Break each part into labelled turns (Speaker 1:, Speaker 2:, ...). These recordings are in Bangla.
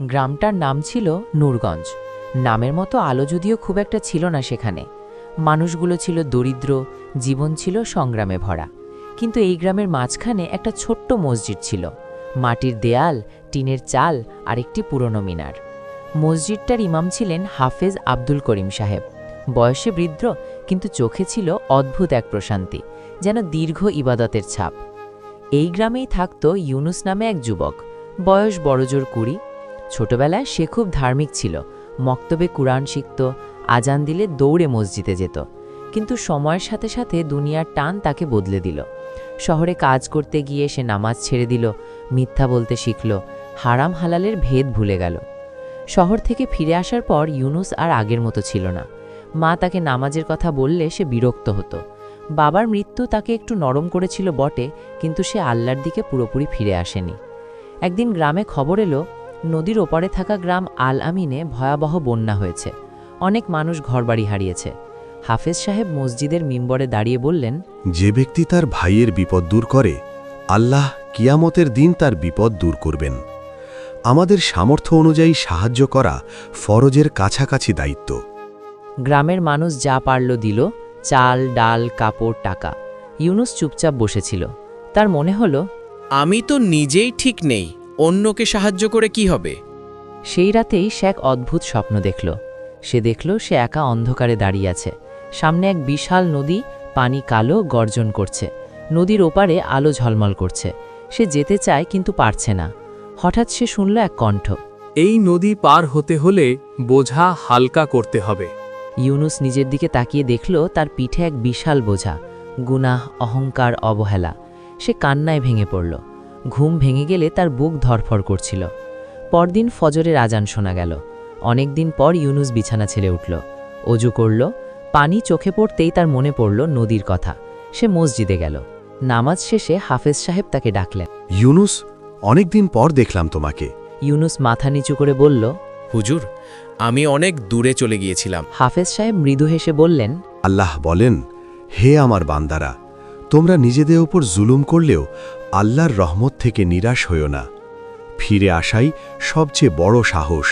Speaker 1: গ্রামটার নাম ছিল নূরগঞ্জ। নামের মতো আলো যদিও খুব একটা ছিল না সেখানে। মানুষগুলো ছিল দরিদ্র, জীবন ছিল সংগ্রামে ভরা। কিন্তু এই গ্রামের মাঝখানে একটা ছোট্ট মসজিদ ছিল, মাটির দেয়াল, টিনের চাল আর একটি পুরনো মিনার। মসজিদটার ইমাম ছিলেন হাফেজ আব্দুল করিম সাহেব। বয়সে বৃদ্ধ, কিন্তু চোখে ছিল অদ্ভুত এক প্রশান্তি, যেন দীর্ঘ ইবাদতের ছাপ। এই গ্রামেই থাকত ইউনুস নামে এক যুবক, বয়স বড়জোর 20। ছোটবেলায় সে খুব ধার্মিক ছিল, মক্তবে কুরআন শিখত, আজান দিলে দৌড়ে মসজিদে যেত। কিন্তু সময়ের সাথে সাথে দুনিয়ার টান তাকে বদলে দিল। শহরে কাজ করতে গিয়ে সে নামাজ ছেড়ে দিল, মিথ্যা বলতে শিখল, হারাম হালালের ভেদ ভুলে গেল। শহর থেকে ফিরে আসার পর ইউনুস আর আগের মতো ছিল না। মা তাকে নামাজের কথা বললে সে বিরক্ত হতো। বাবার মৃত্যু তাকে একটু নরম করেছিল বটে, কিন্তু সে আল্লাহর দিকে পুরোপুরি ফিরে আসেনি। একদিন গ্রামে খবর এলো, নদীর ওপারে থাকা গ্রাম আল আমিনে ভয়াবহ বন্যা হয়েছে। অনেক মানুষ ঘরবাড়ি হারিয়েছে। হাফেজ সাহেব মসজিদের মিম্বরে দাঁড়িয়ে বললেন,
Speaker 2: যে ব্যক্তি তার ভাইয়ের বিপদ দূর করে, আল্লাহ কিয়ামতের দিন তার বিপদ দূর করবেন। আমাদের সামর্থ্য অনুযায়ী সাহায্য করা ফরজের কাছাকাছি দায়িত্ব।
Speaker 1: গ্রামের মানুষ যা পারল দিল, চাল, ডাল, কাপড়, টাকা। ইউনুস চুপচাপ বসেছিল। তার মনে হলো,
Speaker 3: আমি তো নিজেই ঠিক নেই, অন্যকে সাহায্য করে কি হবে?
Speaker 1: সেই রাতেই সে এক অদ্ভুত স্বপ্ন দেখল। সে দেখল সে একা অন্ধকারে দাঁড়িয়ে আছে। সামনে এক বিশাল নদী, পানি কালো, গর্জন করছে। নদীর ওপারে আলো ঝলমল করছে। সে যেতে চায় কিন্তু পারছে না। হঠাৎ সে শুনল এক কণ্ঠ,
Speaker 4: এই নদী পার হতে হলে বোঝা হালকা করতে হবে।
Speaker 1: ইউনুস নিজের দিকে তাকিয়ে দেখল তার পিঠে এক বিশাল বোঝা, গুনাহ, অহংকার, অবহেলা। সে কান্নায় ভেঙে পড়ল। ঘুম ভেঙে গেলে তার বুক ধড়ফড় করছিল। পরদিন ফজরের আজান শোনা গেল। অনেক দিন পর ইউনুস বিছানা ছেড়ে উঠল, অজু করল। পানি চোখে পড়তেই তার মনে পড়ল নদীর কথা। সে মসজিদে গেল। নামাজ শেষে হাফেজ সাহেব তাকে ডাকলেন।
Speaker 2: ইউনুস, অনেকদিন পর দেখলাম তোমাকে।
Speaker 1: ইউনুস মাথা নিচু করে বলল,
Speaker 3: হুজুর, আমি অনেক দূরে চলে গিয়েছিলাম।
Speaker 1: হাফেজ সাহেব মৃদু হেসে বললেন,
Speaker 2: আল্লাহ বলেন, হে আমার বান্দারা, তোমরা নিজেদের ওপর জুলুম করলেও আল্লাহর রহমত থেকে নিরাশ হইও না। ফিরে আসাই সবচেয়ে বড় সাহস।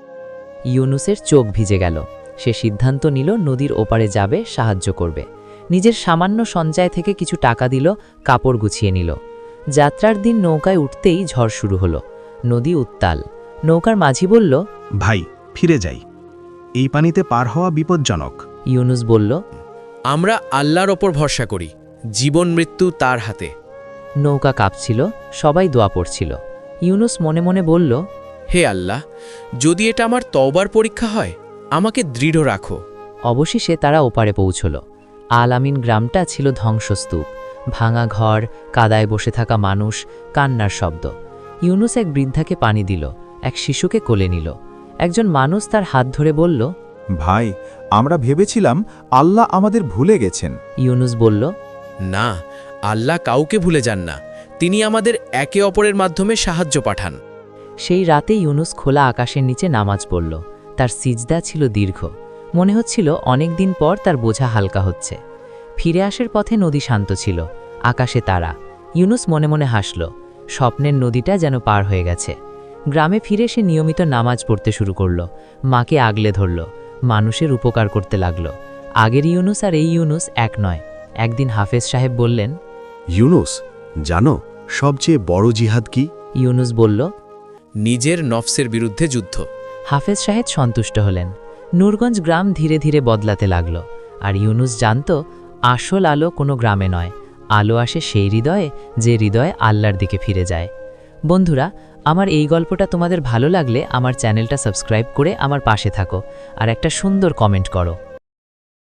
Speaker 1: ইউনুসের চোখ ভিজে গেল। সে সিদ্ধান্ত নিল নদীর ওপারে যাবে, সাহায্য করবে। নিজের সামান্য সঞ্চয় থেকে কিছু টাকা দিল, কাপড় গুছিয়ে নিল। যাত্রার দিন নৌকায় উঠতেই ঝড় শুরু হলো। নদী উত্তাল। নৌকার মাঝি বলল,
Speaker 5: ভাই, ফিরে যাই, এই পানিতে পার হওয়া বিপজ্জনক।
Speaker 1: ইউনুস বলল,
Speaker 3: আমরা আল্লাহর ওপর ভরসা করি, জীবন মৃত্যু তার হাতে।
Speaker 1: নৌকা কাঁপছিল, সবাই দোয়া পড়ছিল। ইউনুস মনে মনে বলল,
Speaker 3: হে আল্লাহ, যদি এটা আমার তওবার পরীক্ষা হয়, আমাকে দৃঢ় রাখো।
Speaker 1: অবশেষে তারা ওপারে পৌঁছল। আল আমিন গ্রামটা ছিল ধ্বংসস্তূপ। ভাঙা ঘর, কাদায় বসে থাকা মানুষ, কান্নার শব্দ। ইউনুস এক বৃদ্ধাকে পানি দিল, এক শিশুকে কোলে নিল। একজন মানুষ তার হাত ধরে বলল,
Speaker 6: ভাই, আমরা ভেবেছিলাম আল্লাহ আমাদের ভুলে গেছেন।
Speaker 1: ইউনুস বলল,
Speaker 3: না, আল্লাহ কাউকে ভুলে যান না। তিনি আমাদের একে অপরের মাধ্যমে সাহায্য পাঠান।
Speaker 1: সেই রাতে ইউনুস খোলা আকাশের নিচে নামাজ পড়ল। তার সিজদা ছিল দীর্ঘ। মনে হচ্ছিল অনেক দিন পর তার বোঝা হালকা হচ্ছে। ফিরে আসার পথে নদী শান্ত ছিল, আকাশে তারা। ইউনুস মনে মনে হাসল। স্বপ্নের নদীটা যেন পার হয়ে গেছে। গ্রামে ফিরে সে নিয়মিত নামাজ পড়তে শুরু করল। মাকে আগলে ধরল, মানুষের উপকার করতে লাগল। আগের ইউনুস আর এই ইউনুস এক নয়। একদিন হাফেজ সাহেব বললেন,
Speaker 2: ইউনুস, জানো সবচেয়ে বড় জিহাদ কি?
Speaker 1: ইউনুস বলল,
Speaker 3: নিজের নফসের বিরুদ্ধে যুদ্ধ।
Speaker 1: হাফেজ সাহেব সন্তুষ্ট হলেন। নূরগঞ্জ গ্রাম ধীরে ধীরে বদলাতে লাগল। আর ইউনুস জানত, আসল আলো কোনো গ্রামে নয়, আলো আসে সেই হৃদয়ে যে হৃদয়ে আল্লাহর দিকে ফিরে যায়। বন্ধুরা, আমার এই গল্পটা তোমাদের ভালো লাগলে আমার চ্যানেলটা সাবস্ক্রাইব করে আমার পাশে থাকো আর একটা সুন্দর কমেন্ট করো।